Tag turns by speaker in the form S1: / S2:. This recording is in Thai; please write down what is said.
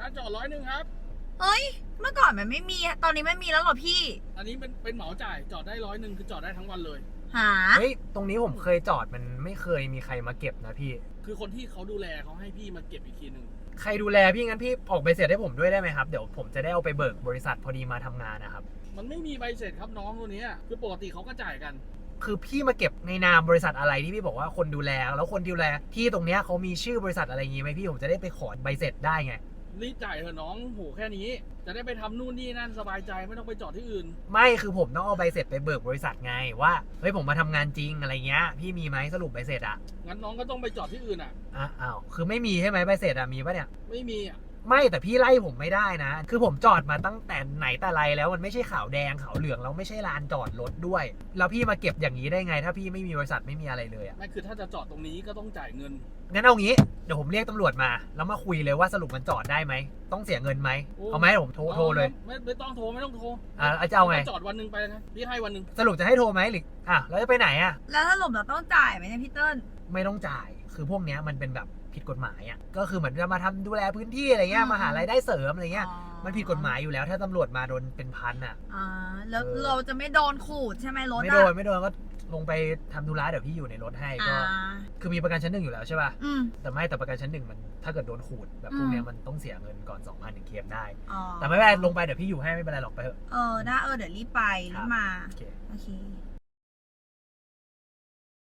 S1: ค่าจอด100ครับ
S2: เฮ้ยเมื่อก่อนมันไม่มีตอนนี้ไม่มีแล้วเหรอพี่
S1: อันนี้เป็นเหมาจ่ายจอดได้100คือจอดได้ทั้งวันเลย
S2: หา
S3: เฮ้ยตรงนี้ผมเคยจอดมันไม่เคยมีใครมาเก็บนะพี่
S1: คือคนที่เขาดูแลเขาให้พี่มาเก็บอีกทีหนึ่ง
S3: ใครดูแลพี่งั้นพี่ออกใบเสร็จให้ผมด้วยได้ไหมครับเดี๋ยวผมจะได้เอาไปเบิกบริษัทพอดีมาทำงานนะครับ
S1: มันไม่มีใบเสร็จครับน้องตัวนี้คือปกติเขาก็จ่ายกัน
S3: คือพี่มาเก็บในนามบริษัทอะไรที่พี่บอกว่าคนดูแลแล้วคนดูแลที่ตรงเนี้ยเขามีชื่อบริษัทอะไรอย่างงี้ไหมพี่ผมจะได้ไปขอใบเสร็จได้ไง
S1: รีบจ่ายเถอะน้องโหแค่นี้จะได้ไปทำนู่นนี่นั่นสบายใจไม่ต้องไปจอดที่อื่น
S3: ไม่คือผมต้องเอาใบเสร็จไปเบิกบริษัทไงว่าเฮ้ยผมมาทำงานจริงอะไรเงี้ยพี่มีไหมสรุปใบเสร็จอ่ะ
S1: งั้นน้องก็ต้องไปจอดที่อื่น
S3: อ้าวคือไม่มีใช่ไหมใบเสร็จอ่ะมีปะเนี่ย
S1: ไม่มี
S3: ไม่แต่พี่ไล่ผมไม่ได้นะคือผมจอดมาตั้งแต่ไหนแต่ไรแล้วมันไม่ใช่ขาวแดงขาวเหลืองแล้วไม่ใช่ลานจอดรถด้วยแล้วพี่มาเก็บอย่างนี้ได้ไงถ้าพี่ไม่มีบริษัทไม่มีอะไรเลยอ่ะ
S1: ไม่คือถ้าจะจอดตรงนี้ก็ต้องจ่ายเงิน
S3: งั้นเอางี้เดี๋ยวผมเรียกตำรวจมาแล้วมาคุยเลยว่าสรุปมันจอดได้ไหมต้องเสียเงินไหมเอาไหมผมโทรเลย
S1: ไม่ต้องโทรไม่ต้องโทร
S3: จะเอาไง
S1: จอดวันนึงไปนะพี่ให้วันนึง
S3: สรุปจะให้โทรไหมหรือแล้วจะไปไหน
S2: แล้วถ้าหลบเราต้องจ่ายไหมเนี่ยพี่เติ้ล
S3: ไม่ต้องจ่ายคือพวกเนี้ยมันเป็นแบบผิดกฎหมายก็คือเหมือนจะมาทำดูแลพื้นที่อะไรเงี้ยมาหารายได้เสริมอะไรเงี้ยมันผิดกฎหมายอยู่แล้วถ้าตำรวจมาโดนเป็นพัน
S2: แล้วเราจะไม่โดนขูดใช่ไหมรถ
S3: ไม่โดนก็ลงไปทำธุระเดี๋ยวพี่อยู่ในรถให้ก็คือมีประกันชั้น1อยู่แล้วใช่ป่ะแต่ประกันชั้น1มันถ้าเกิดโดนขูดแบบพวกเนี้ยมันต้องเสียเงินก่อน 2,000 ถึงเคลมได้แต่ไม่เป็นไรลงไปเดี๋ยวพี่อยู่ให้ไม่เป็นไรหรอกไปเถอะ
S2: ได้เดี๋ยวรีบไปรีบมาโอเค